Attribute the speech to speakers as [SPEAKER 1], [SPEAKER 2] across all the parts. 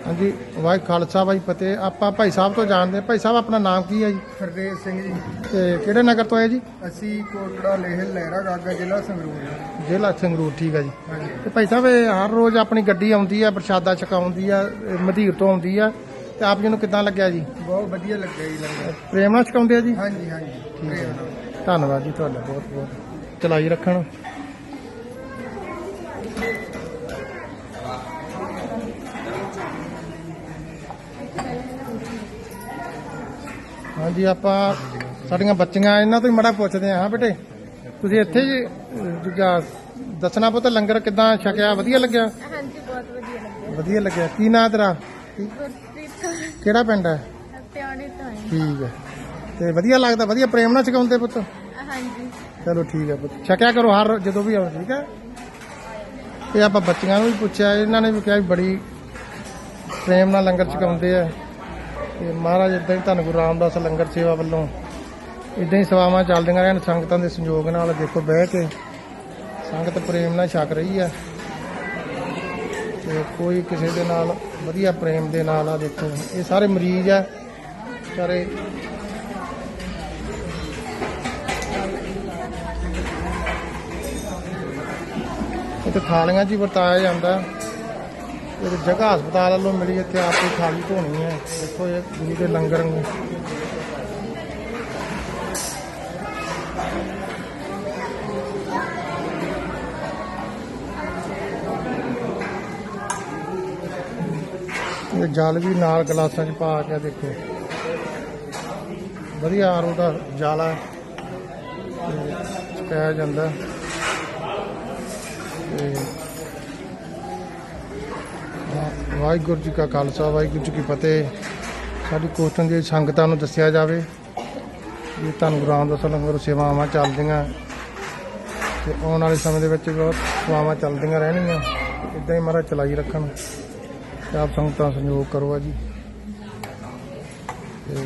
[SPEAKER 1] हाँ जी, वाहिगुरू खालसा वाहिगुरू फतेह। ਆਪਾਂ ਭਾਈ ਸਾਹਿਬ ਤੋਂ ਜਾਣਦੇ। ਭਾਈ ਸਾਹਿਬ ਆਪਣਾ ਨਾਮ ਕੀ ਹੈ ਜੀ?
[SPEAKER 2] ਹਰਦੇਵ ਸਿੰਘ ਜੀ।
[SPEAKER 1] ਤੇ ਕਿਹੜੇ ਨਗਰ ਤੋਂ ਆਏ ਜੀ?
[SPEAKER 2] ਅਸੀਂ ਕੋਟੜਾ ਲੇਹਲ ਲਹਿਰਾ ਗਾਗਾ ਜ਼ਿਲ੍ਹਾ ਸੰਗਰੂਰ।
[SPEAKER 1] ਜ਼ਿਲ੍ਹਾ ਸੰਗਰੂਰ, ਠੀਕ ਹੈ ਜੀ।
[SPEAKER 2] ਹਾਂਜੀ।
[SPEAKER 1] ਤੇ ਭਾਈ ਸਾਹਿਬ ਇਹ ਹਰ ਰੋਜ਼ ਆਪਣੀ ਗੱਡੀ ਆਉਂਦੀ ਆ, ਪ੍ਰਸ਼ਾਦਾ ਛਕਾਉਂਦੀ ਆ, ਮਧੀਰ ਤੋਂ ਆਉਂਦੀ ਆ, ਤੇ ਆਪ ਜੀ ਨੂੰ ਕਿੱਦਾਂ ਲੱਗਿਆ ਜੀ?
[SPEAKER 2] ਬਹੁਤ ਵਧੀਆ ਲੱਗਿਆ ਜੀ ਲੰਗਰ।
[SPEAKER 1] ਪ੍ਰੇਮ ਨਾਲ ਛਕਾਉਂਦੇ ਆ ਜੀ?
[SPEAKER 2] ਹਾਂਜੀ ਹਾਂਜੀ।
[SPEAKER 1] ਠੀਕ ਹੈ।
[SPEAKER 2] ਪ੍ਰੇਮ ਨਾਲ।
[SPEAKER 1] ਧੰਨਵਾਦ ਜੀ ਤੁਹਾਡਾ ਬਹੁਤ ਬਹੁਤ। ਚਲਾਈ ਰੱਖਣ। ਹਾਂਜੀ, ਆਪਾਂ ਸਾਡੀਆਂ ਬੱਚੀਆਂ ਇਹਨਾਂ ਤੋਂ ਹੀ ਮੜਾ ਪੁੱਛਦੇ ਹਾਂ। ਬੇਟੇ ਤੁਸੀਂ ਇੱਥੇ ਜੀ ਦੂਜਾ ਦੱਸਣਾ ਪੁੱਤ, ਲੰਗਰ ਕਿੱਦਾਂ ਛਕਿਆ? ਵਧੀਆ ਲੱਗਿਆ?
[SPEAKER 3] ਹਾਂਜੀ ਬਹੁਤ ਵਧੀਆ ਲੱਗਿਆ।
[SPEAKER 1] ਵਧੀਆ ਲੱਗਿਆ। ਕੀ ਨਾਂ ਤੇਰਾ?
[SPEAKER 3] ਗੁਰਪ੍ਰੀਤ ਕੌਰ
[SPEAKER 1] ਕਿਹੜਾ ਪਿੰਡ ਹੈ?
[SPEAKER 3] ਪਿਆਣੇ ਤੋਂ ਆਏ।
[SPEAKER 1] ਠੀਕ ਹੈ। ਤੇ ਵਧੀਆ ਲੱਗਦਾ? ਵਧੀਆ ਪ੍ਰੇਮ ਨਾਲ ਛਕਾਉਂਦੇ ਪੁੱਤ?
[SPEAKER 3] ਹਾਂਜੀ।
[SPEAKER 1] ਚਲੋ ਠੀਕ ਹੈ ਪੁੱਤ, ਛਕਿਆ ਕਰੋ ਹਰ ਜਦੋਂ ਵੀ ਆਓ, ਠੀਕ ਹੈ। ਤੇ ਆਪਾਂ ਬੱਚੀਆਂ ਨੂੰ ਵੀ ਪੁੱਛਿਆ, ਇਹਨਾਂ ਨੇ ਵੀ ਕਿਹਾ ਵੀ ਬੜੀ ਪ੍ਰੇਮ ਨਾਲ ਲੰਗਰ ਛਕਾਉਂਦੇ ਆ। ਤੇ ਮਹਾਰਾਜ ਇਦਾਂ ਹੀ ਧੰਨ ਗੁਰੂ ਰਾਮਦਾਸ ਲੰਗਰ ਸੇਵਾ ਵੱਲੋਂ ਇਦਾਂ ਹੀ ਸੇਵਾਵਾਂ ਚੱਲਦੀਆਂ ਰਹਿਣ ਸੰਗਤਾਂ ਦੇ ਸੰਯੋਗ ਨਾਲ। ਦੇਖੋ ਬਹਿ ਕੇ ਸੰਗਤ ਪ੍ਰੇਮ ਨਾਲ ਛਕ ਰਹੀ ਆ, ਤੇ ਕੋਈ ਕਿਸੇ ਦੇ ਨਾਲ ਵਧੀਆ ਪ੍ਰੇਮ ਦੇ ਨਾਲ ਆ। ਦੇਖੋ ਇਹ ਸਾਰੇ ਮਰੀਜ਼ ਆ ਸਾਰੇ। ਇੱਥੇ ਥਾਲੀਆਂ 'ਚ ਹੀ ਵਰਤਾਇਆ ਜਾਂਦਾ। ਇਹ ਜਗ੍ਹਾ ਹਸਪਤਾਲ ਵੱਲੋਂ ਮਿਲੀ, ਇੱਥੇ ਆਪ ਹੀ ਥਾਲੀ ਧੋਣੀ ਹੈ। ਦੇਖੋ ਇਹ ਗੁਰੂ ਦੇ ਲੰਗਰ ਨੂੰ ਇਹ ਜਲ ਵੀ ਨਾਲ ਗਲਾਸਾਂ 'ਚ ਪਾ ਕੇ ਦੇਖੋ ਵਧੀਆ ਆਰੋ ਦਾ ਜਲ ਆ ਕਹਿਆ ਜਾਂਦਾ। ਤੇ ਵਾਹਿਗੁਰੂ ਜੀ ਕਾ ਖਾਲਸਾ ਵਾਹਿਗੁਰੂ ਜੀ ਕੀ ਫਤਿਹ। ਸਾਡੀ ਕੋਸ਼ਿਸ਼ ਦੀ ਸੰਗਤਾਂ ਨੂੰ ਦੱਸਿਆ ਜਾਵੇ ਵੀ ਧੰਨ ਗੁਰੂ ਰਾਮਦਾਸ ਲੰਗਰ ਸੇਵਾਵਾਂ ਚੱਲਦੀਆਂ, ਤੇ ਆਉਣ ਵਾਲੇ ਸਮੇਂ ਦੇ ਵਿੱਚ ਬਹੁਤ ਸੇਵਾਵਾਂ ਚੱਲਦੀਆਂ ਰਹਿਣਗੀਆਂ। ਇੱਦਾਂ ਹੀ ਮਹਾਰਾਜ ਚਲਾਈ ਰੱਖਣ, ਤੇ ਆਪ ਸੰਗਤਾਂ ਸਹਿਯੋਗ ਕਰੋ ਜੀ। ਤੇ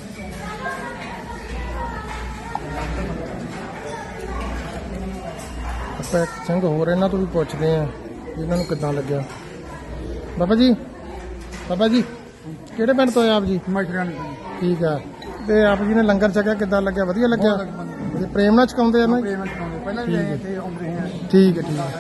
[SPEAKER 1] ਆਪਾਂ ਇੱਕ ਸਿੰਘ ਹੋਰ ਇਹਨਾਂ ਤੋਂ ਵੀ ਪੁੱਛਦੇ ਆ ਇਹਨਾਂ ਨੂੰ ਕਿੱਦਾਂ ਲੱਗਿਆ। ਬਾਬਾ ਜੀ, ਬਾਬਾ ਜੀ ਕਿਹੜੇ ਪਿੰਡ ਤੋਂ ਆਏ ਆਪ ਜੀ?
[SPEAKER 2] ਮਸ਼ਰਾਂ
[SPEAKER 1] ਠੀਕ ਆ। ਤੇ ਆਪ ਜੀ ਨੇ ਲੰਗਰ ਛਕਿਆ, ਕਿੱਦਾਂ ਲੱਗਿਆ? ਵਧੀਆ ਲੱਗਿਆ? ਪ੍ਰੇਮ ਨਾਲ ਛਕਾਉਂਦੇ ਆ ਨਾ?
[SPEAKER 2] ਪ੍ਰੇਮ ਨਾਲ। ਪਹਿਲਾਂ ਵੀ ਆਏ ਇੱਥੇ ਆਉਂਦੇ ਹਾਂ।
[SPEAKER 1] ਠੀਕ ਹੈ, ਠੀਕ ਹੈ।